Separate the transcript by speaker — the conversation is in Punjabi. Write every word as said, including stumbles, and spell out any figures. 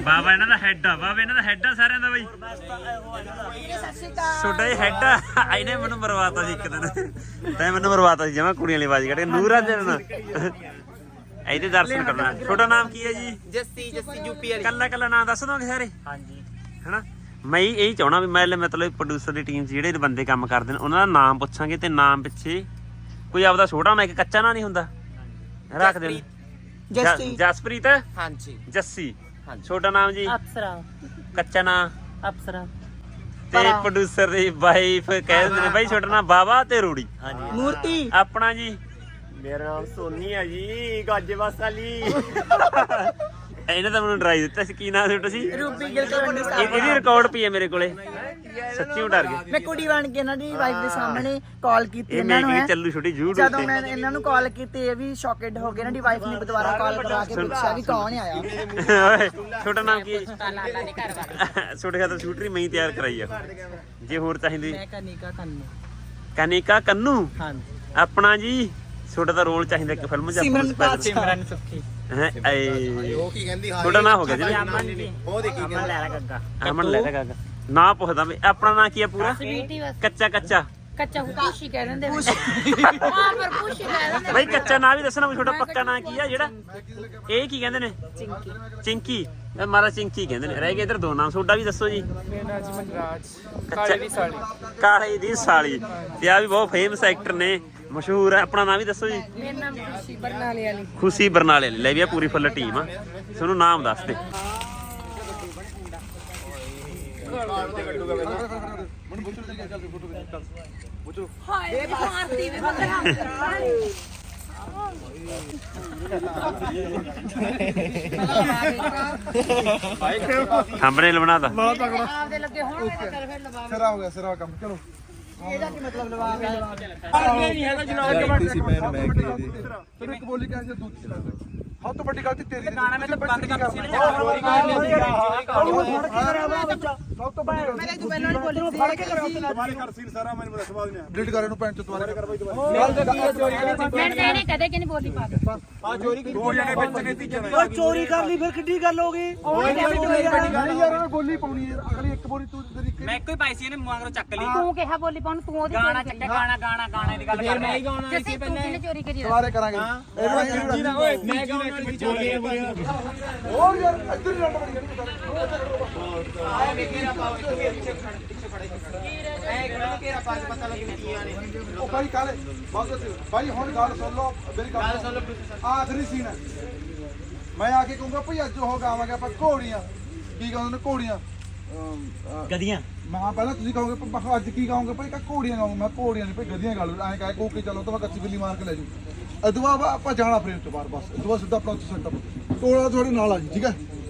Speaker 1: ਬਾਬਾ ਇਹਨਾਂ ਦਾ ਹੈਡ ਆ ਬਾਬਾ ਇਹਨਾਂ ਦਾ ਹੈਡ ਆ ਸਾਰਿਆਂ ਦਾ ਬਾਈ ਛੋਟਾ ਜਿਹਾ ਹੈਡ ਆ ਇਹਨੇ ਮੈਨੂੰ ਮਰਵਾਤਾ ਸੀ ਇੱਕ ਦਿਨ ਤੈਂ ਮੈਨੂੰ ਮਰਵਾਤਾ ਸੀ ਜਮਾ ਕੁੜੀਆਂ ਵਾਲੀ ਆਵਾਜ਼ ਕੱਢ ਕੇ ਨੂਰਾ ਜਨ ਇਹਦੇ ਦਰਸ਼ਨ ਕਰਨਾ ਛੋਟਾ ਨਾਮ ਕੀ ਹੈ ਜੀ
Speaker 2: ਜੱਸੀ ਜੱਸੀ ਯੂਪੀ ਵਾਲੀ
Speaker 1: ਕੱਲਾ ਕੱਲਾ ਨਾਮ ਦੱਸ ਦੋਗੇ ਸਾਰੇ
Speaker 2: ਹਾਂਜੀ
Speaker 1: ਹਨਾ ਮੈਂ ਇਹ ਚਾਹਣਾ ਵੀ ਮੈਂ ਮਤਲਬ ਪ੍ਰੋਡਿਊਸਰ ਦੀ ਟੀਮ 'ਚ ਜਿਹੜੇ ਬੰਦੇ ਕੰਮ ਕਰਦੇ ਨੇ ਉਹਨਾਂ ਦਾ ਨਾਮ ਪੁੱਛਾਂਗੇ ਤੇ ਨਾਮ ਪਿੱਛੇ ਕੋਈ ਆਪਦਾ ਛੋਟਾ ਨਾ ਇੱਕ ਕੱਚਾ ਨਾਂ ਨਹੀਂ ਹੁੰਦਾ ਰੱਖ ਦੇ
Speaker 2: ਜੱਸੀ
Speaker 1: ਜਸਪ੍ਰੀਤ
Speaker 2: ਹਾਂਜੀ
Speaker 1: ਜੱਸੀ ਛੋਟਾ ਨਾਮ ਜੀ
Speaker 3: ਅਪਸਰਾ
Speaker 1: ਕੱਚਾ ਨਾਂ
Speaker 3: ਅਪਸਰਾ
Speaker 1: ਤੇ ਪ੍ਰੋਡਿਊਸਰ ਦੀ ਵਾਈਫ ਕਹਿ ਦਿੰਦੇ ਨੇ ਬਾਈ ਛੋਟਾ ਨਾਮ ਬਾਬਾ ਤੇ ਰੂੜੀ
Speaker 2: ਮੂਰਤੀ
Speaker 1: ਆਪਣਾ ਜੀ
Speaker 2: ਮੇਰਾ ਨਾਮ ਸੋਨੀ ਹੈ ਜੀ ਗਾਜੇਵਾਸ ਵਾਲੀ
Speaker 1: ਇਹਨੇ ਤਾਂ ਮੈਨੂੰ ਡਰਾਈ ਦਿੱਤਾ ਸੀ ਕੀ ਨਾਮ ਛੋਟਾ ਸੀ
Speaker 2: ਰੂਬੀ ਗਿਲ ਕਲੋਨੀ
Speaker 1: ਇਹਦੀ ਰਿਕਾਰਡ ਪਈ ਹੈ ਮੇਰੇ ਕੋਲੇ ਸੱਚੀ ਡਰ ਗਏ
Speaker 2: ਮੈਂ ਕੁੜੀ ਬਣ ਕੇ ਇਹਨਾਂ ਦੀ ਵਾਈਫ ਦੇ ਸਾਹਮਣੇ ਕਾਲ ਕੀਤੀ
Speaker 1: ਇਹ
Speaker 2: ਇਹਨਾਂ
Speaker 1: ਮੈਂ
Speaker 2: ਨੂੰ
Speaker 1: ਕੀ ਚੱਲੂ ਛੋਟੀ YouTube
Speaker 2: ਜਦੋਂ
Speaker 1: ਤੇ
Speaker 2: ਮੈਂ ਇਹਨਾਂ ਨੂੰ ਕਾਲ ਕੀਤੀ ਇਹ ਵੀ ਸ਼ੌਕਡ ਹੋ ਗਏ ਇਹਨਾਂ ਦੀ ਵਾਈਫ ਨੇ ਦੁਬਾਰਾ ਕਾਲ ਕਰਾ ਕੇ ਪੁੱਛਿਆ ਵੀ ਕੌਣ ਆਇਆ
Speaker 1: ਓਏ ਛੋਟਾ ਨਾਮ ਕੀ ਹੈ ਛੋਟੇ ਖਾਤਰ ਸ਼ੂਟਰੀ ਮੈਂ ਹੀ ਤਿਆਰ ਕਰਾਈ ਆ ਜੇ ਹੋਰ ਚਾਹੀਦੀ
Speaker 2: ਮੈਂ ਕਨਿਕਾ ਕੰਨੂ
Speaker 1: ਕਨਿਕਾ ਕੰਨੂ
Speaker 2: ਹਾਂਜੀ
Speaker 1: ਆਪਣਾ ਜੀ ਛੋਟਾ ਦਾ ਰੋਲ ਚਾਹੀਦਾ ਇੱਕ ਫਿਲਮ 'ਚ
Speaker 2: ਸਿਮਰਨ ਸਿਮਰਨ ਸੁੱਖੀ
Speaker 1: ਹੈ ਏ
Speaker 4: ਉਹ ਕੀ ਕਹਿੰਦੀ ਹਾਂ
Speaker 1: ਛੋਟਾ ਨਾਂ ਹੋ ਗਿਆ ਜੀ
Speaker 4: ਉਹ ਦੇਖੀ
Speaker 2: ਅਮਨ ਲੈ ਗੱਗਾ
Speaker 1: ਅਮਨ ਲੈ ਲੈ ਗਾ ਨਾ ਪੁੱਛਦਾ ਵੀ ਆਪਣਾ ਨਾਂ ਕੀ ਹੈ ਪੂਰਾ
Speaker 3: ਸਵੀਟੀ ਬਸ
Speaker 1: ਕੱਚਾ ਕੱਚਾ
Speaker 3: ਕੱਚਾ ਖੁਸ਼ੀ ਕਹਿ ਦਿੰਦੇ ਹਾਂ ਪਰ ਖੁਸ਼ੀ ਕਹਿ ਦਿੰਦੇ
Speaker 1: ਬਈ ਕੱਚਾ ਨਾਂ ਵੀ ਦੱਸਣਾ ਵੀ ਛੋਟਾ ਪੱਕਾ ਨਾਂ ਕੀ ਆ ਜਿਹੜਾ ਇਹ ਕੀ ਕਹਿੰਦੇ ਨੇ
Speaker 3: ਚਿੰਕੀ
Speaker 1: ਚਿੰਕੀ ਇਹ ਮਾਰਾ ਚਿੰਕੀ ਕਹਿੰਦੇ ਨੇ ਰਹਿ ਗਏ ਇਧਰ ਦੋ ਨਾਮ ਤੁਹਾਡਾ ਵੀ ਦੱਸੋ ਜੀ
Speaker 5: ਮੇਰਾ ਨਾਮ ਜੀ ਮਨਰਾਜ
Speaker 1: ਕਾਲੇ ਦੀ ਸਾਲੀ ਕਾਲੇ ਦੀ ਸਾਲੀ ਤੇ ਆ ਵੀ ਬਹੁਤ ਫੇਮਸ ਐਕਟਰ ਨੇ ਮਸ਼ਹੂਰ ਹੈ ਆਪਣਾ ਨਾਮ ਵੀ ਦੱਸੋ ਜੀ
Speaker 3: ਮੇਰਾ ਨਾਮ ਖੁਸ਼ੀ ਬਰਨਾਲੇ ਵਾਲੀ
Speaker 1: ਖੁਸ਼ੀ ਬਰਨਾਲੇ ਵਾਲੀ ਲੈ ਵੀ ਆ ਪੂਰੀ ਫੁੱਲ ਟੀਮ ਆ ਤੁਹਾਨੂੰ ਨਾਮ ਦੱਸ ਦੇ
Speaker 3: ਹਾਏ ਮਾਰਤੀ ਵੀ ਬੰਦਾ
Speaker 1: ਥੰਬਨੇਲ ਬਣਾਦਾ
Speaker 3: ਆਪਦੇ ਲੱਗੇ ਹੁਣ ਫਿਰ ਫਿਰ ਲਵਾ
Speaker 5: ਸਿਰਾ ਹੋ ਗਿਆ ਸਿਰਾ ਕੰਮ ਚਲੋ
Speaker 2: ਇਹਦਾ ਕੀ ਮਤਲਬ ਲਵਾ ਗਿਆ
Speaker 5: ਨਹੀਂ ਹੈਗਾ ਜਨਾਬ ਕਿਸੇ ਮੈਂ ਮੈਂ ਕਹੀ ਦੀ ਤੈਨੂੰ ਇੱਕ ਬੋਲੀ ਕਹਿੰਦੇ ਦੂਜੀ ਹਾਂ ਤੋਂ ਵੱਡੀ ਗਲਤੀ ਤੇਰੀ ਗਾਣਾ ਮੈਂ ਤਾਂ ਬੰਦ ਕਰ ਸੀ ਚੋਰੀ ਕਰ ਸਭ ਤੋਂ ਵੱਡੀ
Speaker 2: ਮੈਂ ਤੂੰ ਪਹਿਲਾਂ ਨਹੀਂ ਬੋਲੀ ਫੜ ਕੇ ਕਰਾਉਂਦਾ
Speaker 5: ਦੁਬਾਰੇ ਕਰ ਸੀਨ ਸਾਰਾ ਮੈਨੂੰ ਦੱਸ ਬਾਅਦ ਨੇ ਡਿਲੀਟ ਕਰ ਇਹਨੂੰ ਪੈਂਟ ਚ ਦੁਬਾਰੇ ਕਰ ਬਾਈ ਦੁਬਾਰੇ
Speaker 3: ਮੈਂ ਇਹਨੇ ਕਦੇ ਕਿ ਨਹੀਂ ਬੋਲੀ ਪਾ ਕੇ
Speaker 5: ਆ ਚੋਰੀ ਕੀਤੀ ਦੋ ਜਣੇ ਵਿੱਚ ਨੇ ਤੀਜੇ
Speaker 2: ਓਏ ਚੋਰੀ ਕਰ ਲਈ ਫਿਰ ਕਿੱਡੀ ਗੱਲ ਹੋ ਗਈ
Speaker 5: ਨਹੀਂ ਯਾਰ ਉਹ ਬੋਲੀ ਪਾਉਣੀ ਹੈ ਅਗਲੀ ਇੱਕ ਬੋਲੀ ਤੂੰ ਤੇਰੀ
Speaker 6: ਮੈਂ ਇੱਕੋ ਹੀ ਪਾਈ ਸੀ ਇਹਨੇ ਮੂੰਹ ਚੱਕ ਲਈ
Speaker 3: ਤੂੰ ਕਿਹਾ ਬੋਲੀ ਪਾਉਣ ਤੂੰ ਉਹਦੀ
Speaker 6: ਗਾਣਾ ਚੱਕਿਆ ਗਾਣਾ ਗਾਣਾ ਗਾਣੇ ਦੀ ਗੱਲ ਕਰ ਮੈਂ ਹੀ ਗਾਉਣਾ
Speaker 3: ਜੱਸੀ ਤੂੰ ਕਿਹਨੇ ਚੋਰੀ ਕਰੀ
Speaker 5: ਦੁਬਾਰੇ ਕਰਾਂਗੇ ਇਹਨੂੰ
Speaker 6: ਓਏ ਮੈਂ ਗਾਉਣਾ ਵਾਲੀ ਚੋਰੀ
Speaker 5: ਹੋਰ ਯਾਰ ਇੱਧਰ ਰੰਡ ਬੜੀ
Speaker 6: ਆਇਆ ਵੇ ਕਿਹੜਾ ਪਾਓ ਇੱਕ ਵੀ ਪਿੱਛੇ ਖੜ ਪਿੱਛੇ ਖੜੇ ਐ ਕਿਹੜਾ ਕਿਹੜਾ ਪਾ ਪਤਾ ਲੱਗੇ ਵੀ ਕੀ ਆਣੇ
Speaker 5: ਉਹ ਭਾਈ ਕਾਲੇ ਬਸ ਭਾਈ ਹੁਣ ਗੱਲ ਸੁਣ ਲਓ ਮੇਰੀ ਗੱਲ ਸੁਣ ਲਓ ਆਖਰੀ ਸੀਨ ਹੈ ਮੈਂ ਆ ਕੇ ਕਹੂੰਗਾ ਭਾਈ ਅੱਜ ਉਹ ਗਾਵਾਂਗੇ ਆਪਾਂ ਘੋੜੀਆਂ ਕੀ ਕਹਿੰਦੇ ਨੇ ਘੋੜੀਆਂ
Speaker 1: ਗਦੀਆਂ
Speaker 5: ਮੈਂ ਪਹਿਲਾਂ ਤੁਸੀਂ ਕਹੋਗੇ ਪ- ਅੱਜ ਕੀ ਗਾਉਂਗੇ ਭਾਈ ਕਾ ਘੋੜੀਆਂ ਗਾਉਂਗਾ ਮੈਂ ਘੋੜੀਆਂ ਨਹੀਂ ਭਾਈ ਗਦੀਆਂ ਗਾ ਲਓ ਐਂ ਕਹਿ ਕੋ ਕੇ ਚਲੋ ਤਾਂ ਮੈਂ ਕੱਚੀ ਬਿੱਲੀ ਮਾਰ ਕੇ ਲੈ ਜੂ ਅਦਵਾ ਆਪਾਂ ਜਾਣਾ ਫਰੇਮ ਤੋਂ ਬਾਹਰ ਬਸ ਅਦਵਾ ਸਿੱਧਾ ਆਪਣਾ ਸੈਟਅਪ ਟੋਲਾ ਤੁਹਾਡੇ ਨਾਲ ਆ ਜੀ ਠੀਕ ਹੈ